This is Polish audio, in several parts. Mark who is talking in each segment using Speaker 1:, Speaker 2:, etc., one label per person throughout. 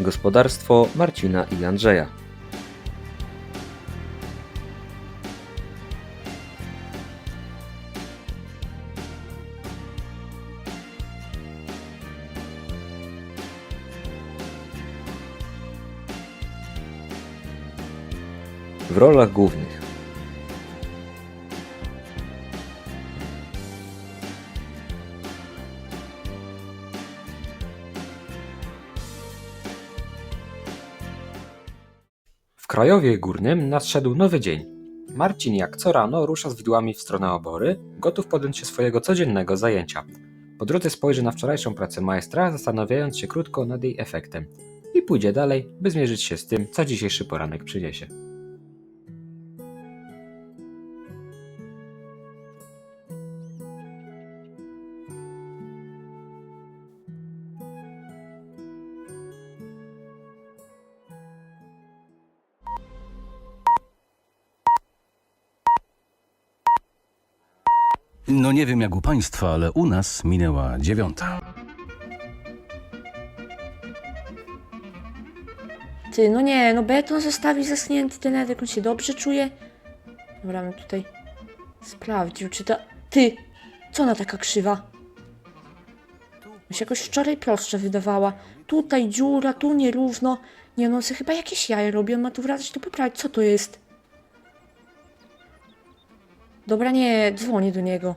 Speaker 1: Gospodarstwo Marcina i Andrzeja. W rolach głównych w Krajowie Górnym nadszedł nowy dzień. Marcin jak co rano rusza z widłami w stronę obory, gotów podjąć się swojego codziennego zajęcia. Po drodze spojrzy na wczorajszą pracę majstra, zastanawiając się krótko nad jej efektem i pójdzie dalej, by zmierzyć się z tym, co dzisiejszy poranek przyniesie.
Speaker 2: No nie wiem jak u państwa, ale u nas minęła 9.
Speaker 3: Ty, no nie, no beton zostawił zaschnięty ten Edek, on się dobrze czuje. Dobra, bym tutaj sprawdził, czy ta... Ty, co ona taka krzywa? Mi się jakoś wczoraj prostsza wydawała. Tutaj dziura, tu nierówno. Nie no, on sobie chyba jakieś jaja robi, on ma tu wracać, to poprawić, co to jest? Dobra, nie, dzwonię do niego.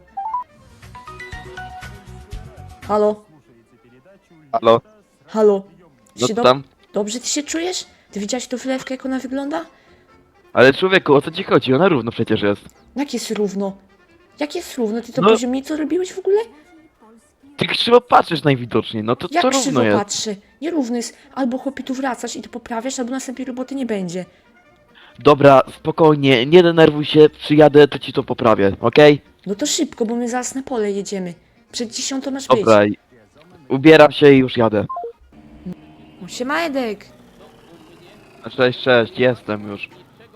Speaker 3: Halo?
Speaker 4: Halo,
Speaker 3: Halo?
Speaker 4: no
Speaker 3: Się
Speaker 4: co tam?
Speaker 3: Dobrze ty się czujesz? Ty widziałeś tą wylewkę, jak ona wygląda?
Speaker 4: Ale człowieku, o co ci chodzi? Ona równo przecież jest.
Speaker 3: Jak jest równo? Jak jest równo? Ty to
Speaker 4: No.
Speaker 3: poziomnicą robiłeś w ogóle?
Speaker 4: Ty krzywo patrzysz najwidoczniej, no to
Speaker 3: Jak
Speaker 4: co
Speaker 3: krzywo
Speaker 4: równo jest?
Speaker 3: patrzy? Nierówny jest. Albo chłopie tu wracasz i to poprawiasz, albo następnej roboty nie będzie.
Speaker 4: Dobra, spokojnie, nie denerwuj się, przyjadę, to ci to poprawię, okej?
Speaker 3: No to szybko, bo my zaraz na pole jedziemy. Przed 10 masz być.
Speaker 4: Dobra, ubieram się i już jadę.
Speaker 3: No siema Edek.
Speaker 4: Cześć, cześć, jestem już.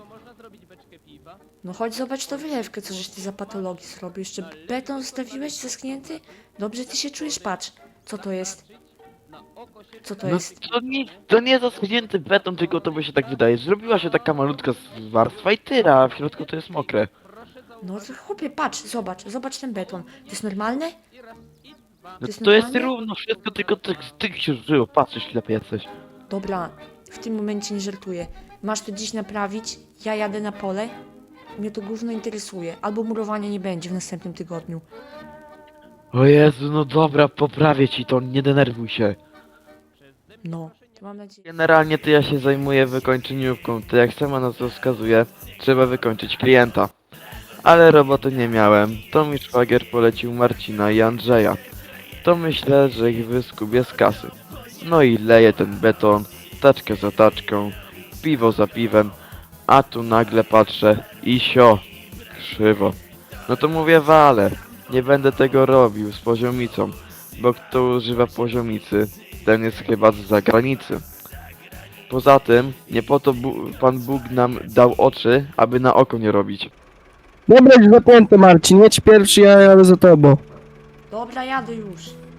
Speaker 3: No chodź zobacz tą wylewkę, co żeś ty za patologii zrobił. Jeszcze beton zostawiłeś zaschnięty? Dobrze ty się czujesz? Patrz. Co to jest? Co to
Speaker 4: No
Speaker 3: jest?
Speaker 4: to nie zaschnięty beton, tylko to by się tak wydaje. Zrobiła się taka malutka warstwa i tyle, a w środku to jest mokre.
Speaker 3: No to chłopie, patrz, zobacz ten beton. To jest normalne?
Speaker 4: No
Speaker 3: jest
Speaker 4: to jest
Speaker 3: normalne?
Speaker 4: równo wszystko, tylko ty się żyło, patrzysz, ślepy jesteś.
Speaker 3: Dobra, w tym momencie nie żartuję. Masz to dziś naprawić, ja jadę na pole. Mnie to gówno interesuje. Albo murowania nie będzie w następnym tygodniu.
Speaker 4: O Jezu, no dobra, poprawię ci to, nie denerwuj się.
Speaker 3: No, to mam nadzieję.
Speaker 4: Generalnie to ja się zajmuję wykończeniówką, to jak sama nazwa wskazuje, trzeba wykończyć klienta. Ale roboty nie miałem, to mi szwagier polecił Marcina i Andrzeja. To myślę, że ich wyskubię z kasy. No i leję ten beton, taczkę za taczką, piwo za piwem, a tu nagle patrzę i sio, krzywo. No to mówię wale, nie będę tego robił z poziomicą, bo kto używa poziomicy, ten jest chyba z zagranicy. Poza tym, nie po to Pan Bóg nam dał oczy, aby na oko nie robić.
Speaker 5: Dobra, już zapięte Marcin, jedź pierwszy, ja jadę za tobą.
Speaker 3: Dobra, jadę już.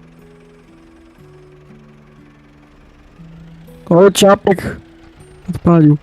Speaker 5: O, ciapek odpalił.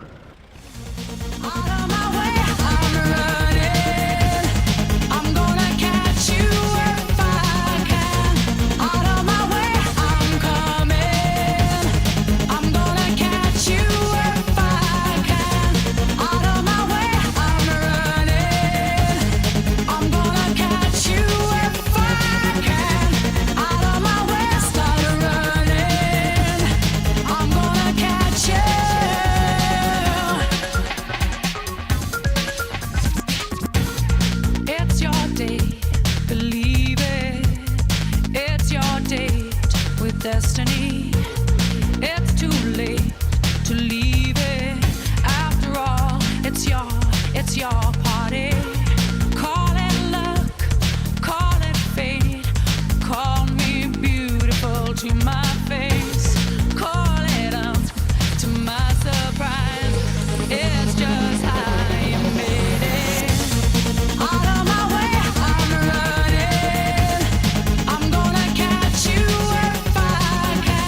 Speaker 6: It's your day, believe it. It's your date with destiny. It's too late to leave it. After all, it's your party. Call it luck, call it fate. Call me beautiful to my face. Call it up to my surprise. It's just how you made it. Out of my way, I'm running. I'm gonna catch you if I can.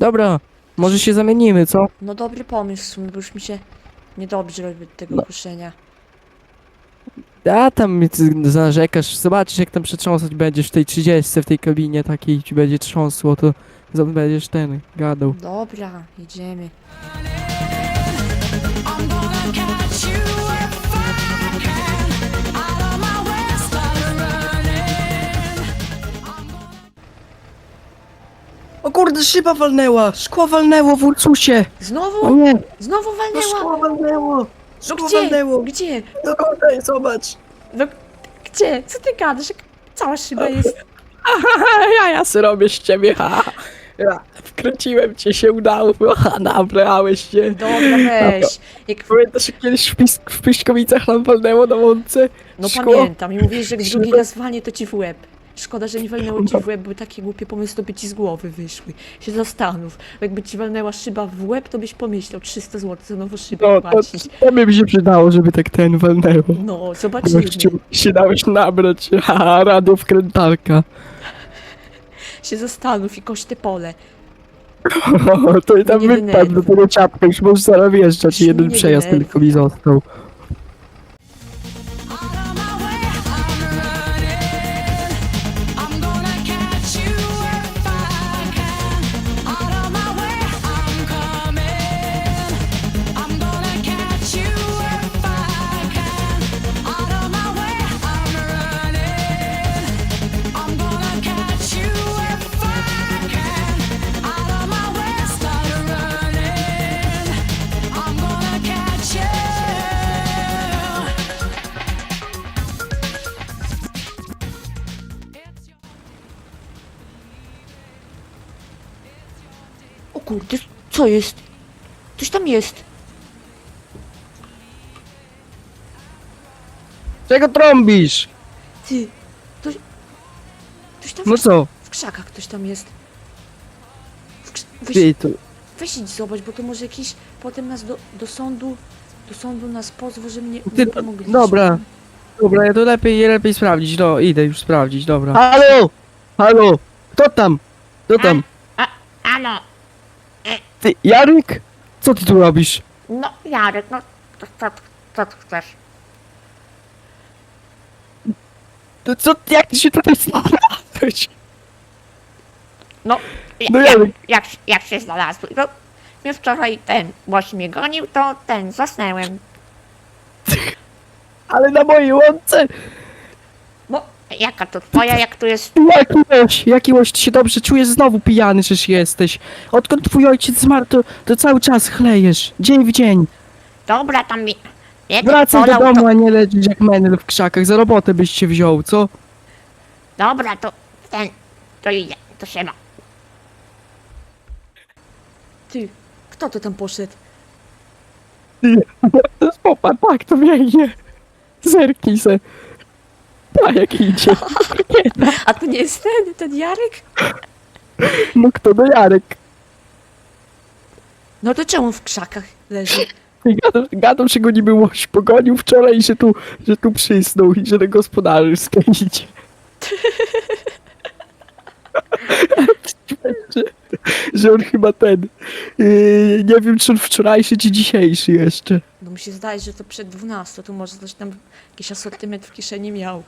Speaker 5: Dobra, może się zamienimy, co?
Speaker 3: No dobry pomysł w sumie, bo już mi się niedobrze robi od tego
Speaker 5: No.
Speaker 3: kuszenia.
Speaker 5: A tam narzekasz, zobaczysz jak tam przetrząsać będziesz w tej 30, w tej kabinie takiej ci będzie trząsło, to będziesz ten, gadał.
Speaker 3: Dobra, jedziemy.
Speaker 6: I'm gonna catch you if I can. Out of my way, start running.
Speaker 5: O kurde, szyba walnęła! Szkło walnęło w Ursusie! O
Speaker 3: Znowu?
Speaker 5: nie!
Speaker 3: Znowu
Speaker 5: No szkło
Speaker 3: walnęła?
Speaker 5: walnęło!
Speaker 3: No
Speaker 5: Szkło
Speaker 3: gdzie?
Speaker 5: walnęło!
Speaker 3: Gdzie?
Speaker 5: No kurde, zobacz!
Speaker 3: No gdzie? Co ty gadasz? Jak cała szyba jest.
Speaker 5: Ja se robię z ciebie, ha! Ja, wkręciłem cię, się udało, ha, nabrałeś się!
Speaker 3: Dobra, weź. Jak...
Speaker 5: Pamiętasz, jak kiedyś w Pyśkowicach nam walnęło na łące?
Speaker 3: No
Speaker 5: Szkło?
Speaker 3: pamiętam i mówisz, że jak drugi raz walnie, to ci w łeb. Szkoda, że nie walnęło ci w łeb, bo takie głupie pomysły to by ci z głowy wyszły. Się zastanów. Jakby ci walnęła szyba w łeb, to byś pomyślał 300 zł za nową szybę
Speaker 5: No, to,
Speaker 3: płacić.
Speaker 5: to by mi się przydało, żeby tak ten walnęło.
Speaker 3: No, zobaczymy.
Speaker 5: Gościu, się dałeś nabrać, ha, radio wkrętarka.
Speaker 3: Się zastanów i kość te pole.
Speaker 5: O, to i tam
Speaker 3: Nie
Speaker 5: wypadł do
Speaker 3: denerwuj.
Speaker 5: tego ciapka, już możesz zaraz wjeżdżać,
Speaker 3: Już
Speaker 5: jeden
Speaker 3: nie
Speaker 5: przejazd
Speaker 3: denerwuj.
Speaker 5: tylko mi został.
Speaker 6: Out of my way, I'm running. I'm gonna catch you if I can. Out of my way, I'm coming. I'm gonna catch you if I can. Out of my way, I'm running. I'm gonna catch you if I can. Out of my way, start running. I'm gonna catch you.
Speaker 3: O kurde, co jest? Coś tam jest.
Speaker 5: Czego trąbisz?
Speaker 3: Ty, ktoś tam
Speaker 5: No co?
Speaker 3: w krzakach ktoś tam jest. Weź,
Speaker 5: Ty, to...
Speaker 3: weź idź zobacz, bo to może jakiś potem nas do sądu nas pozwą, że mnie
Speaker 5: Ty,
Speaker 3: nie pomogliśmy.
Speaker 5: dobra. Dobra, ja to lepiej sprawdzić, no, idę już sprawdzić, dobra. Halo! Halo! Kto tam? Kto tam?
Speaker 7: Ano,
Speaker 5: Ty, Jarek? Co ty tu robisz?
Speaker 7: no Jarek, no co ty chcesz?
Speaker 5: To co, jak ty się tutaj znalazłeś?
Speaker 7: No,
Speaker 5: No Jarek.
Speaker 7: jak się znalazłeś? No, mnie wczoraj łoś mnie gonił, to zasnęłem.
Speaker 5: Ale na mojej łące?
Speaker 7: No, jaka to twoja, jak tu jest...
Speaker 5: Jaki łoś, ty się dobrze czujesz? Znowu pijany przecież jesteś. Odkąd twój ojciec zmarł, to cały czas chlejesz. Dzień w dzień.
Speaker 7: Dobra, tam mi... Jak
Speaker 5: Wracaj do
Speaker 7: polał,
Speaker 5: domu, a nie leżysz jak menel w krzakach. Za robotę byś się wziął, co?
Speaker 7: Dobra, to idzie, to się ma.
Speaker 3: Ty, kto to tam poszedł?
Speaker 5: Popatrz, tak to biegnie. Zerknij se. A jak idzie.
Speaker 3: A to nie jest ten Jarek?
Speaker 5: No kto do Jarek?
Speaker 3: No to czemu w krzakach leży?
Speaker 5: Gadał, że go niby łoś pogonił wczoraj i że tu przysnął i że na gospodarstwie idzie. że on chyba nie wiem czy on wczorajszy czy dzisiejszy jeszcze.
Speaker 3: No mi się zdaje, że to przed 12, to może coś tam jakiś asortyment w kieszeni miał.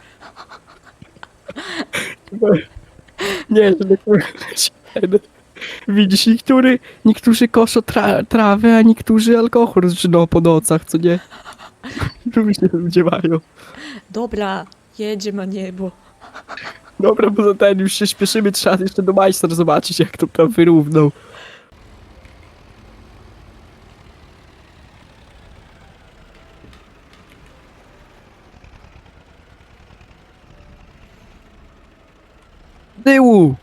Speaker 5: Nie, że ten. Widzisz, niektórzy koszą trawę, a niektórzy alkohol zżyną po nocach, co nie? Różnie ludzie mają.
Speaker 3: Dobra, jedzie na niebo.
Speaker 5: Dobra, bo za ten już się śpieszymy, trzeba jeszcze do majstra zobaczyć, jak to tam wyrównał. Tyłu!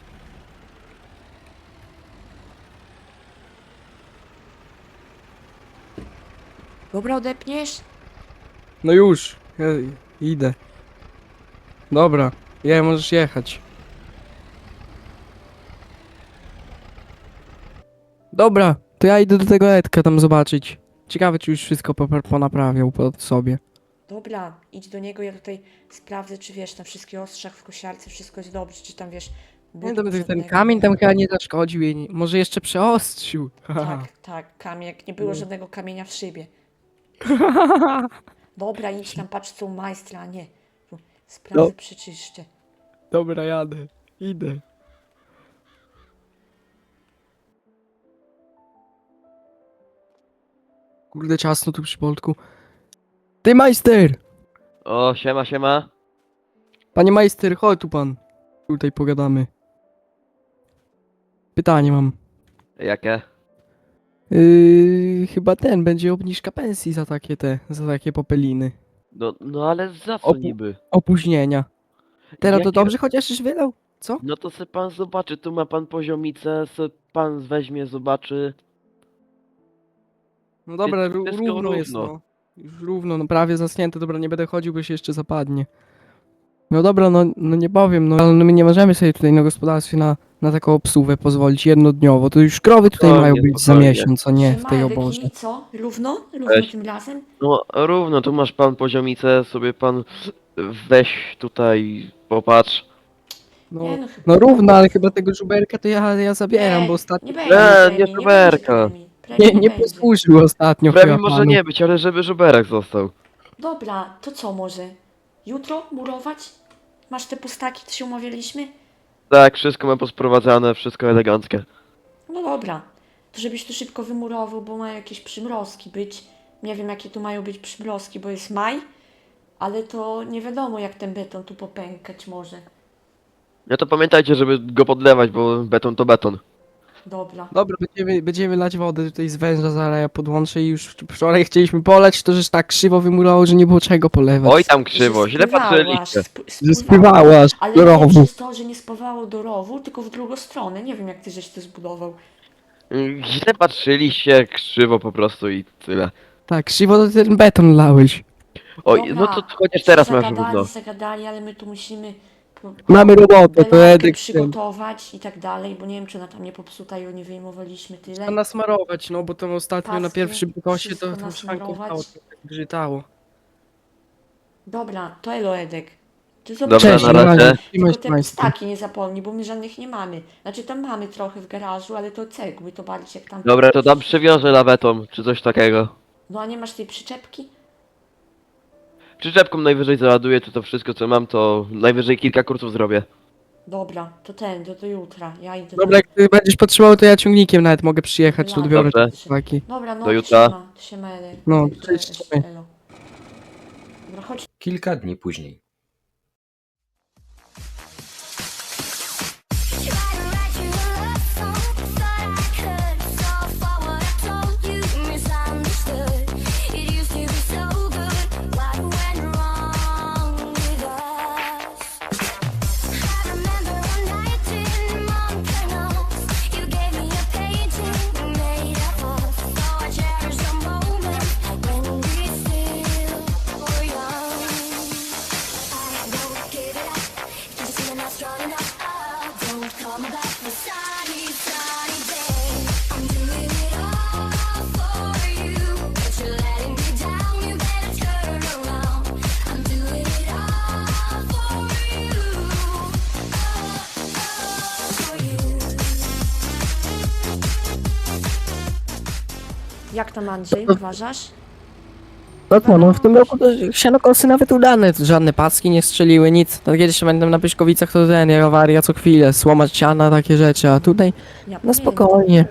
Speaker 3: Dobra, odepniesz?
Speaker 5: No już, ja idę. Dobra, możesz jechać. Dobra, to ja idę do tego Edka tam zobaczyć. Ciekawe, czy już wszystko ponaprawiał pod sobie.
Speaker 3: Dobra, idź do niego, ja tutaj sprawdzę, czy wiesz, na wszystkich ostrzach w kosiarce wszystko jest dobrze, czy tam wiesz,
Speaker 5: Nie,
Speaker 3: butów
Speaker 5: ten
Speaker 3: żadnego
Speaker 5: kamień
Speaker 3: nie
Speaker 5: tam
Speaker 3: było.
Speaker 5: chyba nie zaszkodził jej, może jeszcze przeostrzył.
Speaker 3: Tak, kamień, jak nie było żadnego kamienia w szybie. Dobra, idź tam, patrz co u majstra, a nie. Tu sprawdzę,
Speaker 5: No.
Speaker 3: przeczyszczę.
Speaker 5: Dobra, jadę. Idę. Kurde, ciasno tu przy Boltku. Ty, majster!
Speaker 4: O, siema, siema.
Speaker 5: Panie majster, chodź tu pan. Tutaj pogadamy. Pytanie mam.
Speaker 4: Jakie?
Speaker 5: Chyba będzie obniżka pensji za takie popeliny.
Speaker 4: No ale za co
Speaker 5: Opu-
Speaker 4: niby?
Speaker 5: Opóźnienia. Teraz to
Speaker 4: Jakie-
Speaker 5: dobrze chociaż już wylał? Co?
Speaker 4: No to se pan zobaczy, tu ma pan poziomicę, se pan weźmie, zobaczy.
Speaker 5: No dobra,
Speaker 4: Wszystko
Speaker 5: równo jest
Speaker 4: równo.
Speaker 5: no. Już równo, no prawie zasnięte, dobra, nie będę chodził, bo się jeszcze zapadnie. No dobra, no nie powiem, no ale my nie możemy sobie tutaj na gospodarstwie na taką obsługę pozwolić jednodniowo. To już krowy tutaj
Speaker 4: Spokojnie,
Speaker 5: mają być za
Speaker 4: spokojnie.
Speaker 5: miesiąc, a nie w tej
Speaker 3: Marek,
Speaker 5: oborze.
Speaker 3: i co? Równo? Równo
Speaker 4: Weź.
Speaker 3: tym razem?
Speaker 4: No równo, tu masz pan poziomicę, sobie pan weź tutaj, popatrz.
Speaker 5: No,
Speaker 3: Nie, no chyba-
Speaker 5: no równo, ale chyba tego żuberka to ja zabieram,
Speaker 3: Nie,
Speaker 5: bo ostatnio
Speaker 3: Nie będzie
Speaker 4: Nie,
Speaker 3: premii,
Speaker 4: nie
Speaker 3: będzie
Speaker 4: żuberka.
Speaker 3: premii. Premii
Speaker 5: nie
Speaker 3: będzie.
Speaker 5: posłużył ostatnio
Speaker 4: Prawie
Speaker 5: chyba
Speaker 4: może
Speaker 5: panu.
Speaker 4: nie być, ale żeby żuberek został.
Speaker 3: Dobra, to co może? Jutro murować? Masz te pustaki, co się umawialiśmy?
Speaker 4: Tak, wszystko ma posprowadzane, wszystko eleganckie.
Speaker 3: No dobra, to żebyś tu szybko wymurował, bo mają jakieś przymrozki być. Nie wiem jakie tu mają być przymrozki, bo jest maj, ale to nie wiadomo jak ten beton tu popękać może.
Speaker 4: No to pamiętajcie, żeby go podlewać, bo beton to beton.
Speaker 3: Dobra.
Speaker 5: Dobra, będziemy lać wodę tutaj z węża, zaraz ja podłączę i już wczoraj chcieliśmy poleć, to żeś tak krzywo wymurowało, że nie było czego polewać.
Speaker 4: Oj tam krzywo, źle patrzyliście.
Speaker 5: Że spływałaś
Speaker 3: Ale
Speaker 5: do
Speaker 3: nie
Speaker 5: rowu.
Speaker 3: przez to, że nie spływało do rowu, tylko w drugą stronę. Nie wiem jak ty żeś to zbudował.
Speaker 4: Źle patrzyliście, krzywo po prostu i tyle.
Speaker 5: Tak, krzywo to ten beton lałeś.
Speaker 4: Oj,
Speaker 3: Dobra,
Speaker 4: no to chociaż teraz masz
Speaker 3: zagadali,
Speaker 4: równo.
Speaker 3: zagadali, ale my tu musimy
Speaker 5: Mamy robotę, to
Speaker 3: belarkę
Speaker 5: Edek ten.
Speaker 3: przygotować i tak dalej, bo nie wiem czy ona tam nie popsuta i nie wyjmowaliśmy tyle.
Speaker 5: Trzeba nasmarować, no bo to ostatnio na
Speaker 3: Paski,
Speaker 5: pierwszym kosie
Speaker 3: wszystko
Speaker 5: to szwanką
Speaker 3: nasmarować.
Speaker 5: stało, to tak grzytało.
Speaker 3: Dobra, to elo Edek. Ty
Speaker 4: Dobra,
Speaker 3: zobacz,
Speaker 4: na razie.
Speaker 3: tylko te pustaki nie zapomnij, bo my żadnych nie mamy. Znaczy tam mamy trochę w garażu, ale to cegły, to bardziej jak tam...
Speaker 4: Dobra, to tam przywiążę lawetą, czy coś takiego.
Speaker 3: No a nie masz tej przyczepki?
Speaker 4: Przyczepką najwyżej załaduję, to wszystko co mam, to najwyżej kilka kursów zrobię.
Speaker 3: Dobra, to do jutra, ja idę.
Speaker 5: Dobra, jak ty będziesz potrzebował, to ja ciągnikiem nawet mogę przyjechać, tu odbiorę
Speaker 4: Dobrze.
Speaker 5: te pustaki.
Speaker 3: Dobra, no
Speaker 4: Do jutra.
Speaker 3: to się mele.
Speaker 5: No,
Speaker 3: To
Speaker 5: cześć,
Speaker 3: też
Speaker 5: trzymaj.
Speaker 3: elo. Dobra, chodź.
Speaker 1: Kilka dni później.
Speaker 3: Jak tam Andrzej, uważasz?
Speaker 5: No co, no w tym roku to sianokosy nawet udane, żadne paski nie strzeliły, nic. To kiedyś będę na Pyszkowicach, to awaria co chwilę, słomać siana, takie rzeczy, a tutaj
Speaker 3: Ja
Speaker 5: no
Speaker 3: pamiętam.
Speaker 5: spokojnie.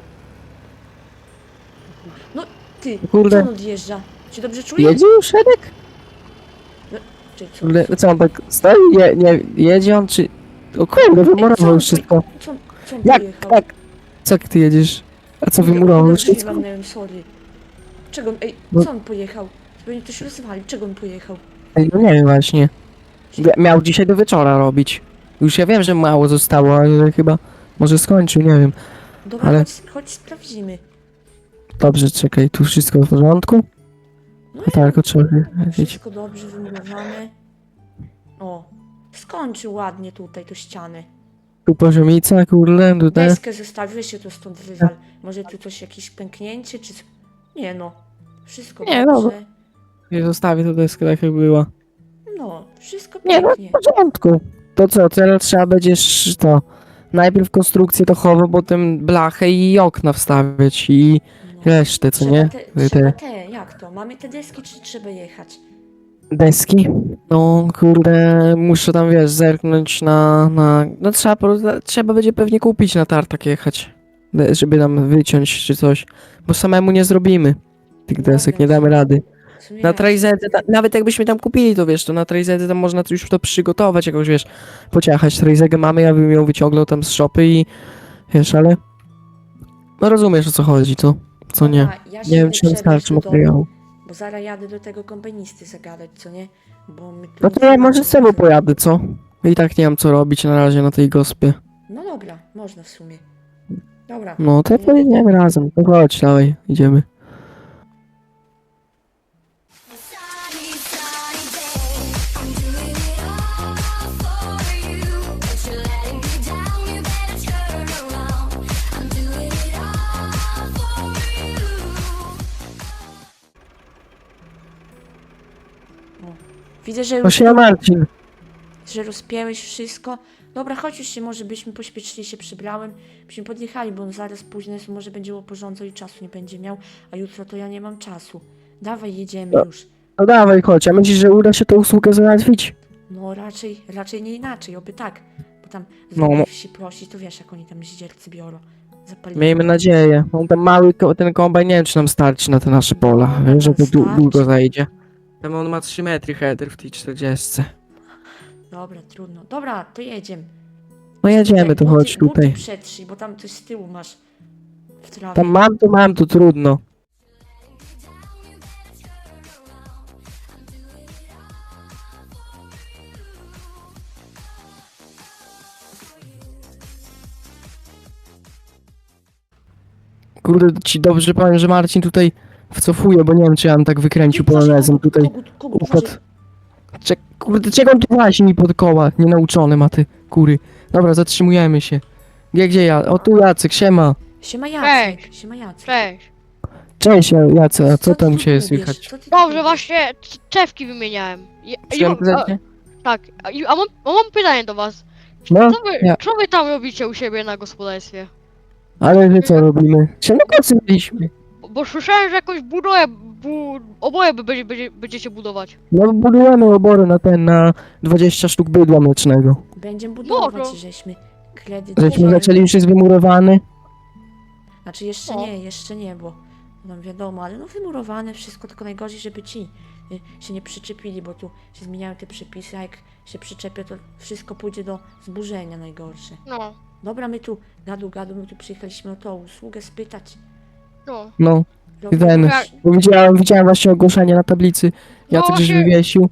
Speaker 3: No ty,
Speaker 5: Kurde.
Speaker 3: co on odjeżdża? Czy dobrze czuje?
Speaker 5: Jedzie już Edek?
Speaker 3: Czy co?
Speaker 5: Kurde, co on tak stoi? Nie, jedzie on czy... O kurde, wymurował już wszystko.
Speaker 3: Co on
Speaker 5: Jak,
Speaker 3: pojechał?
Speaker 5: tak? Co jak ty jedziesz? A co wymurował już wszystko?
Speaker 3: Walnęłem, sorry. Czego on,
Speaker 5: No.
Speaker 3: co on pojechał? Pewnie ktoś rozwalił, czego on pojechał?
Speaker 5: Ej, no nie wiem właśnie. Miał dzisiaj do wieczora robić. Już ja wiem, że mało zostało, ale chyba może skończył, nie wiem.
Speaker 3: Dobra,
Speaker 5: Ale-
Speaker 3: chodź sprawdzimy.
Speaker 5: Dobrze, czekaj, tu wszystko w porządku?
Speaker 3: No
Speaker 5: No tak, trzeba wiedzieć.
Speaker 3: wszystko dobrze wymurowane. O, skończył ładnie tutaj tą ścianę.
Speaker 5: Tu poziomica, kurde, tutaj.
Speaker 3: Deskę zostawiłeś się to stąd wywal. Może tu coś, jakieś pęknięcie, czy... Nie no, wszystko
Speaker 5: Nie,
Speaker 3: dobrze.
Speaker 5: dobra. Ja zostawię tę deskę tak jak była.
Speaker 3: No, wszystko
Speaker 5: Nie, no
Speaker 3: pięknie.
Speaker 5: w porządku. To co, teraz trzeba będzie to najpierw konstrukcję dachową, potem blachę i okna wstawiać i
Speaker 3: No.
Speaker 5: resztę, co nie?
Speaker 3: Trzeba
Speaker 5: Te
Speaker 3: jak to? Mamy te deski, czy trzeba jechać?
Speaker 5: deski. No kurde, muszę tam wiesz, zerknąć no trzeba będzie pewnie kupić na tartak jechać, żeby nam wyciąć czy coś, bo samemu nie zrobimy tych desek, nie damy rady.
Speaker 3: W sumie
Speaker 5: Na
Speaker 3: racja.
Speaker 5: Trajzedy, nawet jakbyśmy tam kupili, to wiesz, to na Trajzedy tam można już to przygotować, jakoś wiesz, pociachać. Trajzegę mamy, ja bym ją wyciągnął tam z szopy i wiesz, ale no rozumiesz o co chodzi, co nie.
Speaker 3: Dobra, ja się
Speaker 5: Nie wiem,
Speaker 3: idę
Speaker 5: czy nam
Speaker 3: przebrać
Speaker 5: starczy
Speaker 3: do domu,
Speaker 5: materiału.
Speaker 3: Bo zaraz jadę do tego kombanisty zagadać, co nie? Bo my tu
Speaker 5: No
Speaker 3: nic
Speaker 5: to ja
Speaker 3: nie
Speaker 5: może
Speaker 3: mamy.
Speaker 5: z tobą pojadę, co? I tak nie mam co robić na razie na tej gospie.
Speaker 3: No dobra, można w sumie. Dobra.
Speaker 5: No to
Speaker 3: ja
Speaker 5: pojedziemy razem, no chodź, dawaj, idziemy.
Speaker 8: Sunny, sunny day. I'm doing it all for you. But you're letting me down. You better turn around. I'm doing it all for you.
Speaker 3: Widzę, że
Speaker 5: No
Speaker 3: już
Speaker 5: się Marcin.
Speaker 3: że rozpięłeś wszystko. Dobra, chodź już się, może byśmy pośpieszyli, się przybrałem, byśmy podjechali, bo on zaraz późno jest, może będzie porządzał i czasu nie będzie miał, a jutro to ja nie mam czasu. Dawaj, jedziemy
Speaker 5: No.
Speaker 3: już.
Speaker 5: No dawaj, chodź, a myślisz, że uda się tę usługę załatwić?
Speaker 3: No raczej nie inaczej, oby tak. Bo tam z
Speaker 5: No,
Speaker 3: drugich wsi prosić, to wiesz, jak oni tam zdziercy biorą. Zapalili.
Speaker 5: Miejmy nadzieję. On ten mały, ten kombajn, nie wiem, czy nam starczy na te nasze pola.
Speaker 3: No,
Speaker 5: Wiesz, że to
Speaker 3: starczy.
Speaker 5: długo zajdzie. Tam on ma 3 metry header w tej 40.
Speaker 3: Dobra, trudno. Dobra, to jedziemy.
Speaker 5: No jedziemy, to chodź tutaj.
Speaker 3: Buty przetrzyj, bo tam coś z tyłu masz w trawie.
Speaker 5: Tam mam, to trudno. Kurde, ci dobrze powiem, że Marcin tutaj wcofuje, bo nie wiem, czy ja bym tak wykręcił polonezem tutaj.
Speaker 3: Kogut,
Speaker 5: Układ. Kurde, czego on tu właśnie mi pod koła? Nienauczony ma ty, kury. Dobra, zatrzymujemy się. Gdzie ja? O, tu Jacek, siema.
Speaker 3: Siema Jacek, siema Jacek.
Speaker 9: Cześć.
Speaker 5: Cześć Jacek, a co tam u
Speaker 3: ty
Speaker 5: ciebie
Speaker 3: tu
Speaker 5: słychać?
Speaker 3: wiesz? Co ty tu
Speaker 9: Dobrze,
Speaker 3: wiesz?
Speaker 9: właśnie czewki wymieniałem.
Speaker 5: Przyjąłem prezencie?
Speaker 9: Tak, a mam pytanie do was.
Speaker 5: No,
Speaker 9: Co co wy tam robicie u siebie na gospodarstwie?
Speaker 5: ale my co robimy? Się na kocy byliśmy.
Speaker 9: Bo słyszałem, że jakąś budowę, oboje będziecie budować.
Speaker 5: No budujemy obory na 20 sztuk bydła mlecznego.
Speaker 3: Będziemy budować,
Speaker 9: Może.
Speaker 3: żeśmy kredyt
Speaker 5: Żeśmy
Speaker 3: wzięli.
Speaker 5: zaczęli, już jest wymurowany.
Speaker 3: Znaczy
Speaker 9: No.
Speaker 3: jeszcze nie, bo nam wiadomo, ale no wymurowane wszystko, tylko najgorzej, żeby ci się nie przyczepili, bo tu się zmieniają te przepisy, a jak się przyczepią, to wszystko pójdzie do zburzenia najgorsze.
Speaker 9: No,
Speaker 3: Dobra, my tu my tu przyjechaliśmy o tą usługę spytać.
Speaker 9: no.
Speaker 5: No,
Speaker 3: Robimy
Speaker 5: ten.
Speaker 3: coś.
Speaker 5: Bo widziałem właśnie ogłoszenie na tablicy. Jacek żeś
Speaker 9: właśnie-
Speaker 5: wywiesił.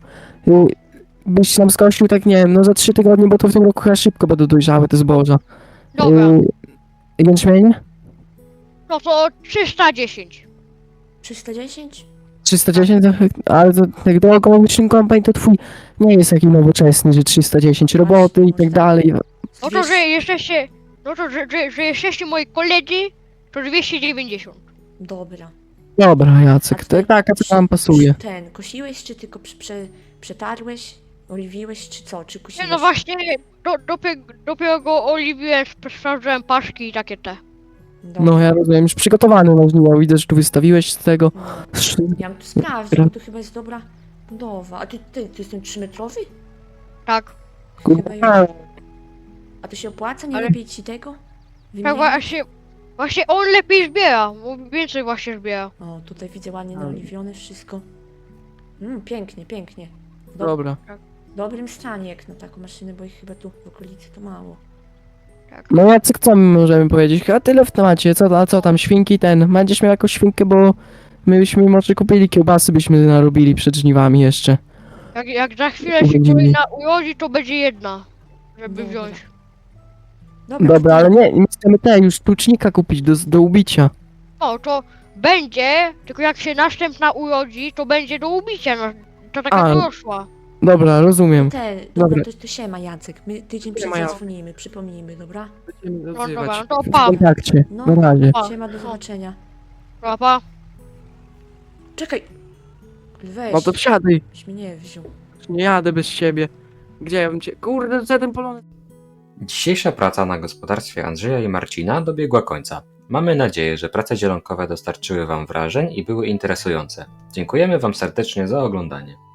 Speaker 5: Byś nam skosił, tak nie wiem, no za 3 tygodnie, bo to w tym roku chyba szybko będą dojrzałe te zboża.
Speaker 9: Dobra,
Speaker 5: Jęczmienie?
Speaker 9: no to 310.
Speaker 3: 310?
Speaker 5: 310, ale to jak do ekologiczny kombajn to twój nie jest taki nowoczesny, że 310 roboty i tak dalej.
Speaker 9: No to, że jesteście, no to, że jesteście moi koledzy, to 290.
Speaker 3: Dobra.
Speaker 5: Dobra, Jacek,
Speaker 3: ty-
Speaker 5: tak, a co nam pasuje?
Speaker 3: Ten, kosiłeś, czy tylko przetarłeś, oliwiłeś, czy co? Czy kosiłeś?
Speaker 9: Nie, no właśnie, dopiero go oliwiłem, sprawdziłem paszki i takie te.
Speaker 3: Dobra.
Speaker 5: No ja rozumiem, już przygotowany na żniwo, widzę, że tu wystawiłeś z tego.
Speaker 3: No. Ja bym tu sprawdził, bo to chyba jest dobra budowa. A ty jest ten 3-metrowy?
Speaker 9: Tak.
Speaker 3: Chyba
Speaker 5: Kurwa,
Speaker 3: już. A to się opłaca? Nie
Speaker 9: Ale-
Speaker 3: lepiej ci tego?
Speaker 9: Tak
Speaker 3: Wymienić?
Speaker 9: właśnie on lepiej zbiera, bo więcej właśnie zbiera.
Speaker 3: O, tutaj widzę ładnie naoliwione wszystko. Pięknie, pięknie. W
Speaker 5: dobra.
Speaker 3: dobrym stanie jak na taką maszynę, bo ich chyba tu w okolicy to mało.
Speaker 5: No Jacek, co my możemy powiedzieć? Chyba tyle w temacie, co tam, świnki będziesz miał jakąś świnkę, bo my byśmy może kupili kiełbasy, byśmy narobili przed żniwami jeszcze.
Speaker 9: Jak za chwilę się
Speaker 5: Będziemy-
Speaker 9: kolejna urodzi, to będzie jedna, żeby
Speaker 3: Dobra.
Speaker 9: wziąć.
Speaker 5: Dobra, ale nie chcemy już tucznika kupić do ubicia.
Speaker 9: No to będzie, tylko jak się następna urodzi, to będzie do ubicia, no, to taka
Speaker 5: A.
Speaker 9: dorosła.
Speaker 5: Dobra, rozumiem.
Speaker 3: Dobra,
Speaker 5: Dobra.
Speaker 3: to siema Jacek. My tydzień przed
Speaker 5: Siema, Jacek.
Speaker 3: zadzwonimy, przypomnijmy, dobra?
Speaker 9: No dobra, no to
Speaker 5: W
Speaker 9: pa,
Speaker 5: kontakcie,
Speaker 3: No.
Speaker 5: na razie.
Speaker 9: pa,
Speaker 3: Siema, do zobaczenia.
Speaker 9: pa.
Speaker 3: Czekaj! Weź,
Speaker 5: No to wsiadaj,
Speaker 3: byś mnie nie wziął.
Speaker 5: nie jadę bez ciebie. Gdzie ja bym cię... Kurde, za ten polony...
Speaker 1: Dzisiejsza praca na gospodarstwie Andrzeja i Marcina dobiegła końca. Mamy nadzieję, że prace zielonkowe dostarczyły Wam wrażeń i były interesujące. Dziękujemy Wam serdecznie za oglądanie.